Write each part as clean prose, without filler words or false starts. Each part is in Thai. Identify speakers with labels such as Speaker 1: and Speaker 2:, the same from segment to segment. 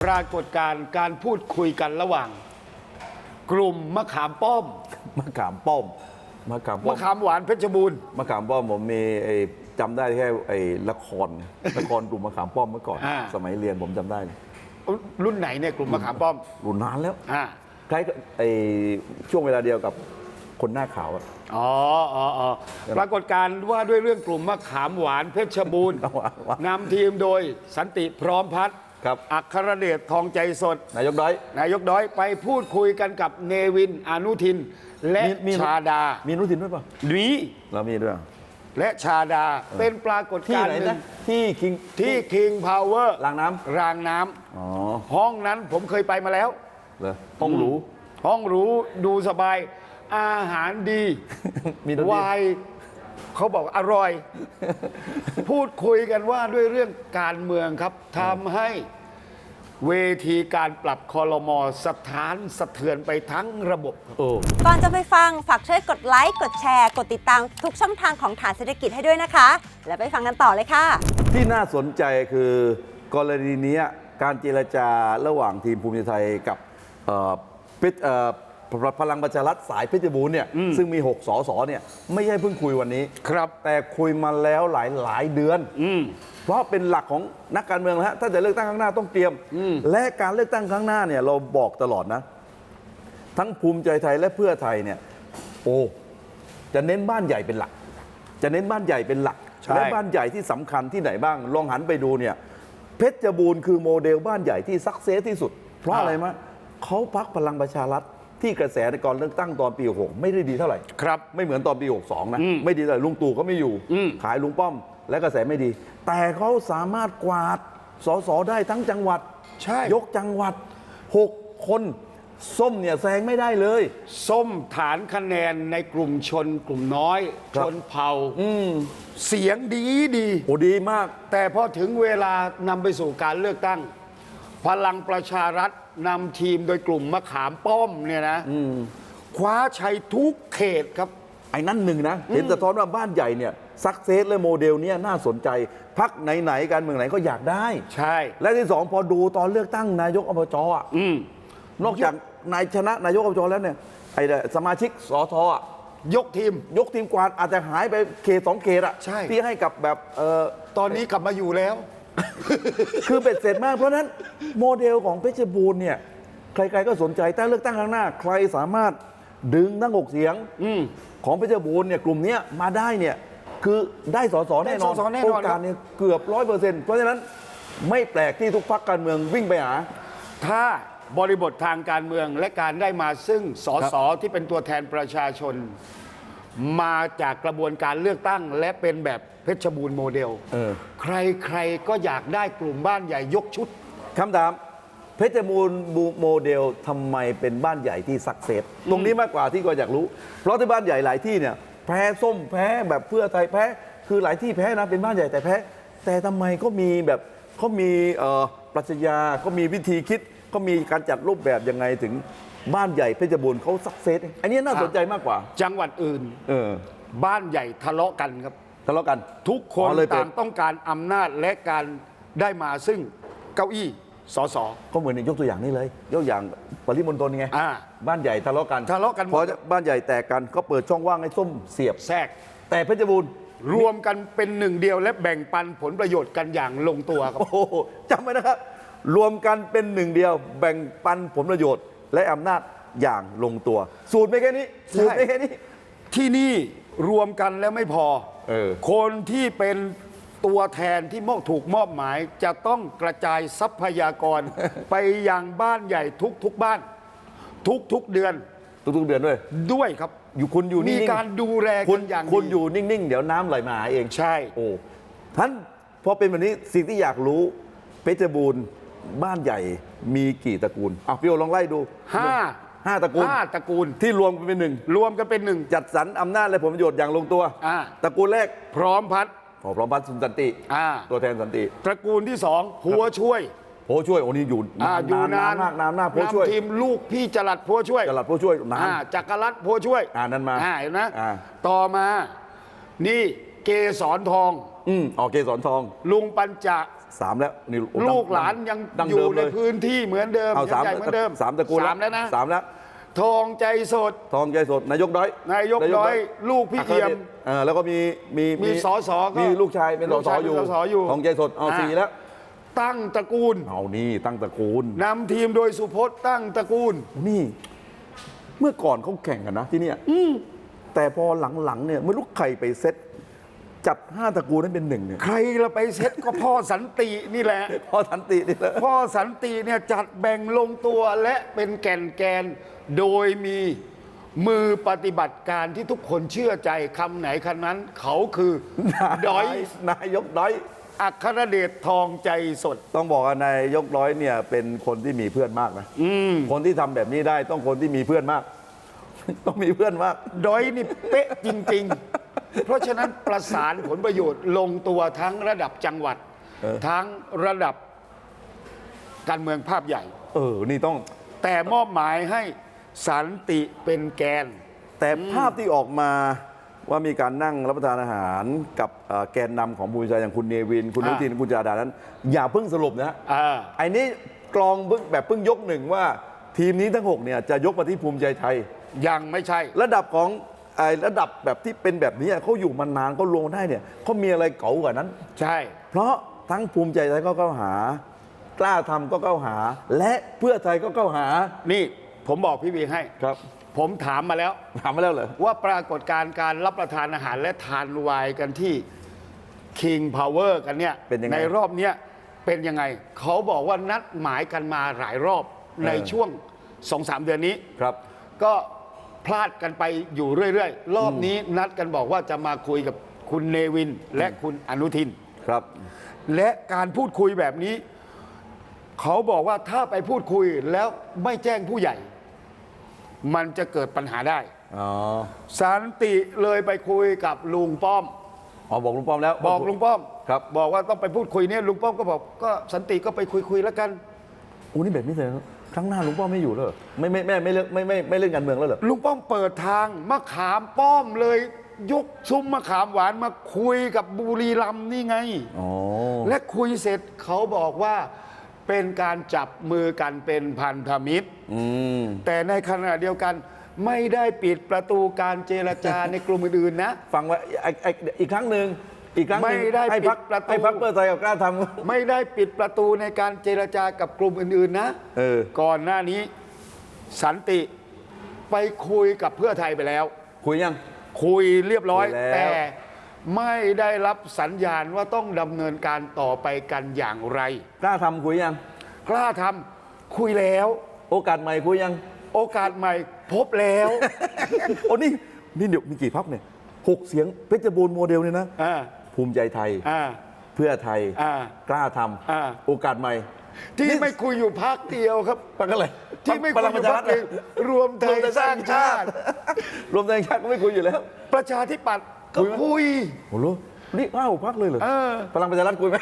Speaker 1: รากฏการณ์การพูดคุยกันระหว่าง กลุ่มมะขามป้อม
Speaker 2: มะขามป้อมมะขามป้อ
Speaker 1: มะ
Speaker 2: ม
Speaker 1: ขามหวานเพชรบูรณ์
Speaker 2: มะขามป้อมผมมีจำได้แค่ละครกลุ่มมะขามป้อมเมื่อก่อน สมัยเรียนผมจำได้
Speaker 1: รุ่นไหนเนี่ยกลุ่มมะขามป้อม
Speaker 2: รุ่นนานแล้ว
Speaker 1: อ่า
Speaker 2: คล้ายช่วงเวลาเดียวกับคนหน้าขาวอะ
Speaker 1: อ๋อปรากฏการณ์ว่าด้วยเรื่องกลุ่มมะขามหวานเพชรบูรณ์นำทีมโดยสันติพร้อมพัฒน์
Speaker 2: ครับ
Speaker 1: อัครเดชทองใจสด
Speaker 2: นายกด้อย
Speaker 1: นายกด้อยไปพูดคุยกันกับเนวินอนุทิน และชาดา
Speaker 2: มีนุทินด้วยป่ะ
Speaker 1: นี้
Speaker 2: เรามีด้วย
Speaker 1: และชาดาเป็นปรากฏ
Speaker 2: ที่
Speaker 1: การ
Speaker 2: ไหน
Speaker 1: ณ์หนึ่
Speaker 2: นะ
Speaker 1: ง
Speaker 2: ที่คิง
Speaker 1: ที่ King Power
Speaker 2: รางน้ำ
Speaker 1: รางน้
Speaker 2: อ๋อ
Speaker 1: ำห้องนั้นผมเคยไปมาแล้ว
Speaker 2: เหรอห้องหรู
Speaker 1: ห้องหรูดูสบายอาหารดี
Speaker 2: มีดนตรี
Speaker 1: วายเขาบอกอร่อย พูดคุยกันว่าด้วยเรื่องการเมืองครับทำให้เวทีการปรับคอรมอสถานสะเทือนไปทั้งระบบครับ
Speaker 2: โอ้
Speaker 3: ก่อนจะไปฟังฝากช่วยกดไลค์ กดแชร์ กดติดตามทุกช่องทางของฐานเศรษฐกิจให้ด้วยนะคะ แล้วไปฟังกันต่อเลยค่ะ
Speaker 2: ที่น่าสนใจคือกรณีนี้การเจรจาระหว่างทีมภูมิใจไทยกับพลังประชารัฐสายเพชรบูรณ์เนี่ยซึ่งมี 6 สสเนี่ยไม่ใช่เพิ่งคุยวันนี้
Speaker 1: ครับ
Speaker 2: แต่คุยมาแล้วหลายเดือน เพราะเป็นหลักของนักการเมืองนะฮะถ้าจะเลือกตั้งครั้งหน้าต้องเตรียม และการเลือกตั้งครั้งหน้าเนี่ยเราบอกตลอดนะ ทั้งภูมิใจไทยและเพื่อไทยเนี่ยจะเน้นบ้านใหญ่เป็นหลัก จะเน้นบ้านใหญ่เป็นหลัก
Speaker 1: ใช่
Speaker 2: และบ้านใหญ่ที่สำคัญที่ไหนบ้างลองหันไปดูเนี่ยเพชรบูรณ์คือโมเดลบ้านใหญ่ที่ซักเซสที่สุด เพราะอะไรมะเขาพักพลังประชารัฐที่กระแสในก่อนเลือกตั้งตอนปี66ไม่ได้ดีเท่าไหร่
Speaker 1: ครับ
Speaker 2: ไม่เหมือนตอนปี62นะไม่ดีเลยลุงตู่ก็ไม่อยู่ ขายลุงป้อมและกระแสไม่ดี แต่เขาสามารถกวาดสสได้ทั้งจังหวัด
Speaker 1: ใช่
Speaker 2: ยกจังหวัด 6 คนส้มเนี่ยแซงไม่ได้เลย
Speaker 1: ส้มฐานคะแนนในกลุ่มชนกลุ่มน้อย
Speaker 2: ครั
Speaker 1: ช
Speaker 2: บ
Speaker 1: นเผ่าเสียงดี
Speaker 2: โอ้ดีมาก
Speaker 1: แต่พอถึงเวลานำไปสู่การเลือกตั้ง พลังประชารัฐนำทีมโดยกลุ่มมะขามป้อมเนี่ยนะคว้าชัยทุกเขตครับ
Speaker 2: ไอ้นั่นหนึ่งนะ เห็นสะท้อนว่าบ้านใหญ่เนี่ยซักเซสและโมเดลเนี้ยน่าสนใจพักไหนๆการเมืองไหนก็อยากได้
Speaker 1: ใช่
Speaker 2: และที่สองพอดูตอนเลือกตั้งนายกอบจอ่ะนอกจากนายชนะนายกอบจแล้วเนี่ยไอ้สมาชิกสทอ่ะ
Speaker 1: ยกทีม
Speaker 2: ยกทีมกวาดอาจจะหายไปเขต2 เขตอ่ะ
Speaker 1: ใช่
Speaker 2: ที่ให้กับแบบ
Speaker 1: ตอนนี้กลับมาอยู่แล้ว
Speaker 2: คือเป็ดเสร็จมากเพราะฉะนั้นโมเดลของเพชรบูรณ์เนี่ยใครๆก็สนใจแต่เลือกตั้งครั้งหน้า ใครสามารถดึงทั้ง6 เสียงของเพชรบูรณ์เนี่ยกลุ่มเนี้ยมาได้เนี่ยคือได้สสแน่นอน
Speaker 1: ได้สสแน่นอน
Speaker 2: โอกาสเนี่ยเกือบ100%เพราะฉะนั้นไม่แปลกที่ทุกพรรคการเมืองวิ่งไปหา
Speaker 1: ถ้าบริบททางการเมืองและการได้มาซึ่งสสที่เป็นตัวแทนประชาชน มาจากกระบวนการเลือกตั้งและเป็นแบบเพชรบูรณ์โมเดล ใครๆก็อยากได้กลุ่มบ้านใหญ่ยกชุด
Speaker 2: คำถามเพชรบูรณ์โมเดลทำไมเป็นบ้านใหญ่ที่สักเซสตรงนี้มากกว่าที่ก็อยากรู้ เพราะที่บ้านใหญ่หลายที่เนี่ยแพ้ส้มแพ้แบบเพื่อไทยแพ้คือหลายที่แพ้นะเป็นบ้านใหญ่แต่แพ้แต่ทำไมก็มีแบบเขามีปรัชญาเขามีวิธีคิดเขามีการจัดรูปแบบยังไงถึงบ้านใหญ่เพชรบูรณ์เขาสักเซสอันนี้น่าสนใจมากกว่า
Speaker 1: จังหวัดอื่น บ้านใหญ่ทะเลาะกันครับ
Speaker 2: ทะเลาะกัน
Speaker 1: ทุกคน
Speaker 2: เลยเป็
Speaker 1: ต่างต้องการอำนาจและการได้มาซึ่งเก้าอี้สส
Speaker 2: ก็เหมือนยกตัวอย่างนี้เลยยกอย่างปริมณฑลไง
Speaker 1: อ่า
Speaker 2: บ้านใหญ่ทะเลาะกัน
Speaker 1: ทะเลาะกันหมด
Speaker 2: พอบ้านใหญ่แตกกันก็เปิดช่องว่างให้ส้มเสียบ
Speaker 1: แทรก
Speaker 2: แต่เพชรบูรณ์
Speaker 1: รวมกันเป็นหนึ่งเดียวและแบ่งปันผลประโยชน์กันอย่างลงตัวครับ
Speaker 2: โอ้โหจำไว้นะครับ รวมกันเป็นหนึ่งเดียว แบ่งปันผลประโยชน์ และอำนาจอย่างลงตัว สูตรไม่แค่นี้สูตรไม่แค่นี้
Speaker 1: ที่นี่รวมกันแล้วไม่พอ คนที่เป็นตัวแทนที่ถูกมอบหมาย จะต้องกระจายทรัพยากร ไปยังบ้านใหญ่ทุกบ้าน ทุกเดือน
Speaker 2: ทุกๆเดือนด้วย
Speaker 1: ด้วยครับ
Speaker 2: คุณอยู่นิ่
Speaker 1: มี
Speaker 2: งๆ
Speaker 1: การดูแล
Speaker 2: คุ
Speaker 1: กั
Speaker 2: ณ
Speaker 1: นอย่าง
Speaker 2: คุณ
Speaker 1: ดี
Speaker 2: อยู่นิ่งๆ เดี๋ยวน้ำไหลมาหาเอง
Speaker 1: ใช่
Speaker 2: โอ้ท่านพอเป็นแบบนี้สิ่งที่อยากรู้เพชรบูรณ์บ้านใหญ่มีกี่ตระกูลพี่โอลองไล่ดู
Speaker 1: ห้า
Speaker 2: ตระกูล
Speaker 1: ตระกูล
Speaker 2: ที่รวมกันเป็นหนึ่ง
Speaker 1: รวมกันเป็นหนึ่ง
Speaker 2: จัดสรรอำนาจและผลประโยชน์อย่างลงตัว ตระกูลแรก
Speaker 1: พร้อมพัฒน์
Speaker 2: พร้อมพัฒน์สุนสันติ ตัวแทนสันติ
Speaker 1: ตระกูลที่สองผัวช่วย
Speaker 2: โพช่วยโอ้นี่อยู่
Speaker 1: อยู่นาน
Speaker 2: มากนานมากโพช่วย
Speaker 1: นำทีมลูกพี่จรัดผัวช่วย
Speaker 2: จลัดโพช่วยนาน
Speaker 1: จักรรัตน์ผัวช่วย
Speaker 2: นั่นมา
Speaker 1: เห็นไหม
Speaker 2: อ่า
Speaker 1: ต่อมานี่เกสรทอง
Speaker 2: เกสรทอง
Speaker 1: ลุงปัญจ
Speaker 2: 3แล้วนี่โอ้
Speaker 1: ลูกหลานยัง
Speaker 2: ดั้ง
Speaker 1: อยู่
Speaker 2: เดิม
Speaker 1: ใน
Speaker 2: เลย
Speaker 1: พื้นที่เหมือนเดิม
Speaker 2: เอา
Speaker 1: ยังใหญ่เหมือนเดิม
Speaker 2: สามตระกูล
Speaker 1: สามแล้วนะ
Speaker 2: 3แล้ว
Speaker 1: ทองใจสด
Speaker 2: ทองใจสดนายกด้อย
Speaker 1: นายกด้อยลูกพี่เอี่ยม
Speaker 2: แล้วก็มี
Speaker 1: สสก็
Speaker 2: มีลูกชายเป็นส
Speaker 1: ลูก
Speaker 2: ส
Speaker 1: ชาย
Speaker 2: อยู่
Speaker 1: เป็นสสอยู่
Speaker 2: ทองใจสดเอา 4 แล้ว
Speaker 1: ตั้งตระกูล
Speaker 2: เอานี่ตั้งตระกูล
Speaker 1: นำทีมโดยสุพจน์ตั้งตระกูล
Speaker 2: นี่เมื่อก่อนเขาแข่งกันนะที่เนี่ยแต่พอหลังๆเนี่ยไม่รู้ใครไปเซตจัด5ตระกูลนั้นเป็น1เนี่ย
Speaker 1: ใครละไปเซ็ตก็พ่อสันตินี่แหละ
Speaker 2: พอสันตินี่แหละ
Speaker 1: พ่อสันติเนี่ยจัดแบ่งลงตัวและเป็นแกนโดยมีมือปฏิบัติการที่ทุกคนเชื่อใจคำไหนคำนั้น เขาคือดอย
Speaker 2: นายกด้อย
Speaker 1: อัครเดชทองใจสด
Speaker 2: ต้องบอกว่านายกร้อยเนี่ยเป็นคนที่มีเพื่อนมากนะคนที่ทำแบบนี้ได้ต้องคนที่มีเพื่อนมาก ต้องมีเพื่อนมาก
Speaker 1: ดอยนี่เป๊ะจริง ๆ เพราะฉะนั้นประสานผลประโยชน์ลงตัวทั้งระดับจังหวัด ทั้งระดับการเมืองภาพใหญ่
Speaker 2: นี่ต้อง
Speaker 1: แต่มอบหมายให้สันติเป็นแกน
Speaker 2: แต่ภาพที่ออกมาว่ามีการนั่งรับประทานอาหารกับแกนนำของภูมิใจอย่างคุณเนวิน คุณอนุทินคุณจาดานั้น อย่าเพิ่งสรุปนะ ไอ้นี้กรองแบบเพิ่งยกหนึ่งว่าทีมนี้ทั้ง6เนี่ยจะยกมาที่ภูมิใจไทย
Speaker 1: ยังไม่ใช่
Speaker 2: ระดับของระดับแบบที่เป็นแบบนี้เขาอยู่มานานเขาลงได้เนี่ยเขามีอะไรเก๋ากว่านั้น
Speaker 1: ใช่
Speaker 2: เพราะทั้งภูมิใจไทยก็เข้าหา กล้าทำก็เข้าหา และเพื่อไทยก็เข้าหา
Speaker 1: นี่ผมบอกพี่วีให้
Speaker 2: ครับ
Speaker 1: ผมถามมาแล้ว
Speaker 2: ถามมาแล้วเหรอ
Speaker 1: ว่าปรากฏการณ์การรับประทานอาหารและทานไวน์กันที่ King Power กันเนี่ย
Speaker 2: เป็นยังไง
Speaker 1: ในรอบเนี้ยเป็นยังไง เขาบอกว่านัดหมายกันมาหลายรอบในช่วง 2-3 เดือนนี้
Speaker 2: ครับ
Speaker 1: ก็พลาดกันไปอยู่เรื่อยๆ รอบนี้นัดกันบอกว่าจะมาคุยกับคุณเนวินและคุณอนุทิน
Speaker 2: ครับ
Speaker 1: และการพูดคุยแบบนี้ เขาบอกว่าถ้าไปพูดคุยแล้วไม่แจ้งผู้ใหญ่ มันจะเกิดปัญหาได้
Speaker 2: อ๋อ
Speaker 1: สันติเลยไปคุยกับลุงป้อม
Speaker 2: บอกลุงป้อมแล้ว
Speaker 1: บอกลุงป้อม
Speaker 2: ครับ
Speaker 1: บอกว่าต้องไปพูดคุยเนี่ยลุงป้อมก็บอกก็สันติก็ไปคุยแล้วกัน
Speaker 2: โอ้นี่แบบนี้เลยนะครั้งหน้าลุงป้อมไม่อยู่แล้วเหรอไม่เลือกไม่เล่นการเมืองแล้วเหรอ
Speaker 1: ลุงป้อมเปิดทางมะขามป้อมเลยยกซุ้มมะขามหวานมาคุยกับบุรีรัมย์นี่ไง
Speaker 2: อ๋อ
Speaker 1: และคุยเสร็จเขาบอกว่าเป็นการจับมือกันเป็นพันธมิตร แต่ในขณะเดียวกันไม่ได้ปิดประตูการเจรจา ในกลุ่มอื่นๆนะ
Speaker 2: ฟังไว้อีกครั้งหนึ่ง
Speaker 1: ไม่ได้
Speaker 2: ให้พัก
Speaker 1: ปิดประตู
Speaker 2: ให้พักเพื่อไทยกับกล้าท
Speaker 1: ไม่ได้ปิดประตูในการเจรจากับกลุ่มอื่นๆนะ ก่อนหน้านี้สันติไปคุยกับเพื่อไทยไปแล้ว
Speaker 2: ำคุยยัง
Speaker 1: คุยเรียบร้อย
Speaker 2: คุยแล้ว
Speaker 1: แต่ไม่ได้รับสัญญาณว่าต้องดำเนินการต่อไปกันอย่างไร
Speaker 2: กล้าทำคุยยัง
Speaker 1: กล้าทำคุยแล้ว
Speaker 2: โอกาสใหม่คุยยัง
Speaker 1: โอกาสใหม่พบแล้ว
Speaker 2: โอ้นี่เดี๋ยวมีกี่พักเนี่ย6 เสียงเพชรบูรณ์โมเดลเนี่ยนะ
Speaker 1: อ่า
Speaker 2: ภูมิใจไทย
Speaker 1: อ่า
Speaker 2: เพื่อไทย
Speaker 1: อ่า
Speaker 2: กล้าท
Speaker 1: อ่า
Speaker 2: ำโอกาสใหม่
Speaker 1: ที่ไม่คุยอยู่พักเดียวครับ
Speaker 2: พักอะไร
Speaker 1: ที่ไม่
Speaker 2: พ
Speaker 1: คุย
Speaker 2: ลัง
Speaker 1: อ
Speaker 2: ประ
Speaker 1: ยู่
Speaker 2: ชา
Speaker 1: พั
Speaker 2: รั
Speaker 1: ก
Speaker 2: ฐ
Speaker 1: หนึ่งรวมไทยสร้างชาติ
Speaker 2: รวมไทยสร้างชาติก็ไม่คุยอยู่แล้ว
Speaker 1: ประชาธิปัตย์ก็
Speaker 2: คุยไหม
Speaker 1: คุย
Speaker 2: โอ้โหนี่5 พักเลยเหรอ
Speaker 1: เออ
Speaker 2: พลังประชารัฐคุยไหม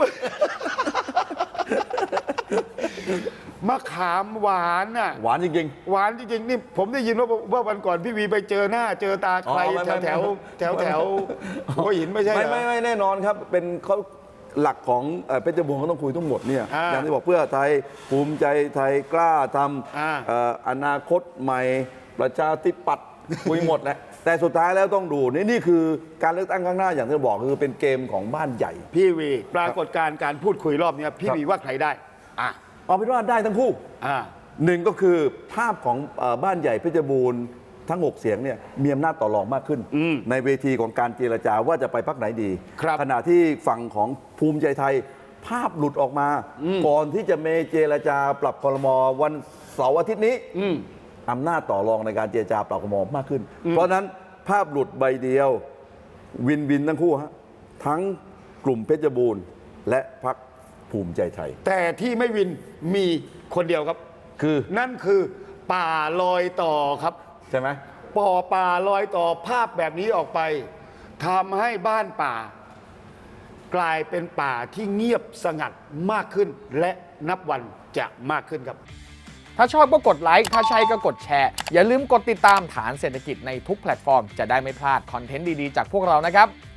Speaker 1: มะขามหวานน่ะ
Speaker 2: หวานจริง
Speaker 1: หวานจริงๆนี่ผมได้ยินว่าวันก่อนพี่วีไปเจอหน้าเจอตาใคร
Speaker 2: อ๋อไม่
Speaker 1: แถว
Speaker 2: ไม่
Speaker 1: หัวหินไม่ใช่
Speaker 2: ๆ
Speaker 1: เหรอ
Speaker 2: ไม่แน่นอนครับเป็นเขาหลักของเพชรบูรณ์เขาต้องคุยทั้งหมดเนี่ย
Speaker 1: อ่า
Speaker 2: อย่างที่บอกเพื่อไทยภูมิใจไทยกล้าท
Speaker 1: อ่า
Speaker 2: ำอนาคตใหม่ประชาธิปัตย์คุยหมดแหละแต่สุดท้ายแล้วต้องดูนี่คือการเลือกตั้งข้างหน้าอย่างที่บอกคือเป็นเกมของบ้านใหญ่
Speaker 1: พี่วีปรากฏการณ์การพูดคุยรอบเนี้ยพี่
Speaker 2: ครับ
Speaker 1: วีว่าใครได้อ่ะ
Speaker 2: เอาเป็นว่าได้ทั้งคู่
Speaker 1: อ่า
Speaker 2: หนึ่งก็คือภาพของบ้านใหญ่เพชรบูรณ์ทั้ง 6 เสียงเนี่ยมีอำนาจต่อรองมากขึ้น ในเวทีของการเจรจาว่าจะไปพรรคไหนดี
Speaker 1: ครับ
Speaker 2: ขณะที่ฝั่งของภูมิใจไทย ภาพหลุดออกมา ก่อนที่จะเมเจรจาปรับครมวันเสาร์อาทิตย์นี้อำนาจต่อรองในการเจรจาปรับครมมากขึ้น เพราะฉะนั้นภาพหลุดใบเดียววินทั้งคู่ฮะทั้งกลุ่มเพชรบูรณ์และพรรคภูมิใจไทย
Speaker 1: แต่ที่ไม่วินมีคนเดียวครับ
Speaker 2: คือ
Speaker 1: นั่นคือป่าลอยต่อครับ
Speaker 2: ใช่ไหม
Speaker 1: ป่าลอยต่อภาพแบบนี้ออกไปทำให้บ้านป่า กลายเป็นป่าที่เงียบสงัดมากขึ้น และนับวันจะมากขึ้นครับ
Speaker 4: ถ้าชอบก็กดไลค์ ถ้าใช่ก็กดแชร์ อย่าลืมกดติดตามฐานเศรษฐกิจในทุกแพลตฟอร์ม จะได้ไม่พลาดคอนเทนต์ดี ๆ จากพวกเรานะครับ